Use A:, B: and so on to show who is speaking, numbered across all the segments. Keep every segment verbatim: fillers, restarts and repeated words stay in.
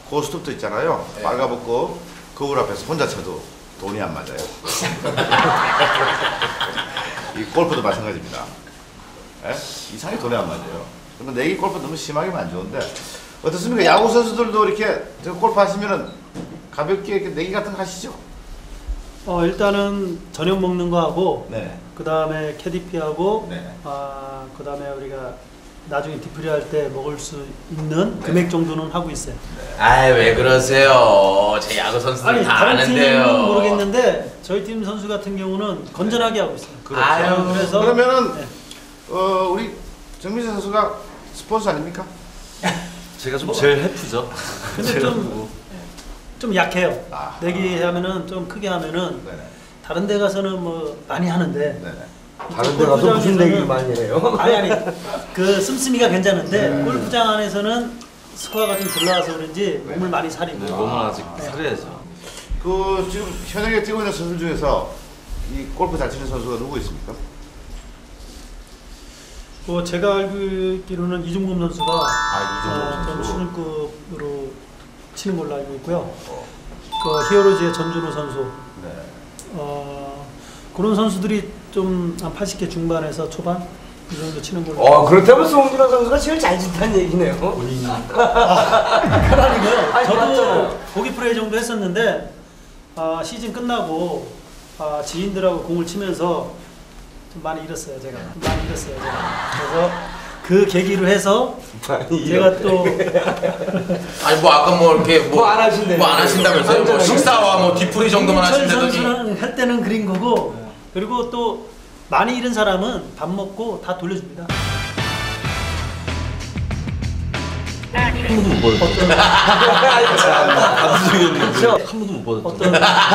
A: 고스톱도 있잖아요.
B: 네.
A: 빨가벗고 거울 앞에서 혼자 쳐도 돈이 안 맞아요. 이 골프도 마찬가지입니다. 에? 이상하게 돈이 안 맞아요. 그러면 내기 골프 너무 심하게 안 좋은데 어떻습니까? 야구 선수들도 이렇게 저 골프 하시면은 가볍게 이렇게 내기 같은 거 하시죠?
C: 어 일단은 저녁 먹는 거 하고
A: 네.
C: 그 다음에 캐디피 하고
A: 네.
C: 아 그 다음에 우리가 나중에 디프리 할 때 먹을 수 있는
A: 네.
C: 금액 정도는 하고 있어요.
B: 아이 왜 그러세요? 제 야구 선수들
C: 아니
B: 다
C: 다른
B: 아는데요.
C: 팀은 모르겠는데 저희 팀 선수 같은 경우는 건전하게 하고 있어요.
A: 그렇죠.
B: 아유,
C: 그래서
A: 그러면은
C: 네.
A: 어, 우리 정민재 선수가 스폰서 아닙니까?
D: 제가 좀 제일 해프죠.
C: 근데
D: 제가
C: 좀,
D: 뭐.
C: 좀 약해요.
A: 아.
C: 내기 하면은 좀 크게 하면은
A: 네네.
C: 다른 데 가서는 뭐 많이 하는데
A: 네네.
E: 다른 데 가서 무슨 얘기를 많이 해요?
C: 아니 아니 그 씀씀이가 괜찮은데
A: 네.
C: 골프장 안에서는 스코어가 좀 들러와서 그런지 몸을 많이 사리고
D: 네, 몸은 아직
C: 네.
D: 살해야죠.
A: 그 지금 현역에 뛰고 있는 선수 중에서 이 골프 잘 치는 선수가 누구 있습니까?
C: 뭐 제가 알고 있기로는 이중범 선수가
A: 아, 이종범
C: 어, 좀
A: 선수.
C: 수준급으로 치는 걸로 알고 있고요.
A: 어.
C: 그 히어로즈의 전준호 선수
A: 네.
C: 어, 그런 선수들이 좀 한 팔십 개 중반에서 초반 이 정도 치는 걸로.
E: 어, 그렇다면 송준호 선수가 제일 잘 친다는 얘기네요.
C: 그러니까요.
E: 아니,
C: 저도
E: 맞잖아요.
C: 보기 프레이 정도 했었는데 아, 시즌 끝나고 아, 지인들하고 공을 치면서 좀 많이 잃었어요. 제가 좀 많이 잃었어요. 제가. 그래서 그 계기로 해서
E: 많이
C: 제가 또
B: 아니 뭐 아까 뭐 이렇게
E: 뭐안 하신대요.
B: 뭐 안 하신다면서요? 뭐 식사와 뭐 뒤풀이 정도만
C: 김민철
B: 하신다더니.
C: 선수는 할 때는 그린 거고 그리고 또 많이 잃은 사람은 밥 먹고 다 돌려줍니다.
D: 한 번도 못 받았죠. 감수적이었는데 한 번도 못 받았죠.
C: 어떤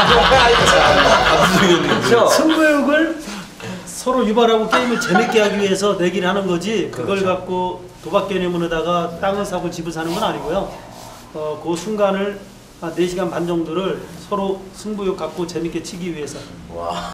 D: 감수적이었는데
C: 승부욕을 서로 유발하고 게임을 재밌게 하기 위해서 내기를 하는 거지 그걸
E: 그렇죠.
C: 갖고 도박 개념으로다가 땅을 사고 집을 사는 건 아니고요. 어, 그 순간을 한 네 시간 반 정도를 서로 승부욕 갖고 재밌게 치기 위해서
B: 와.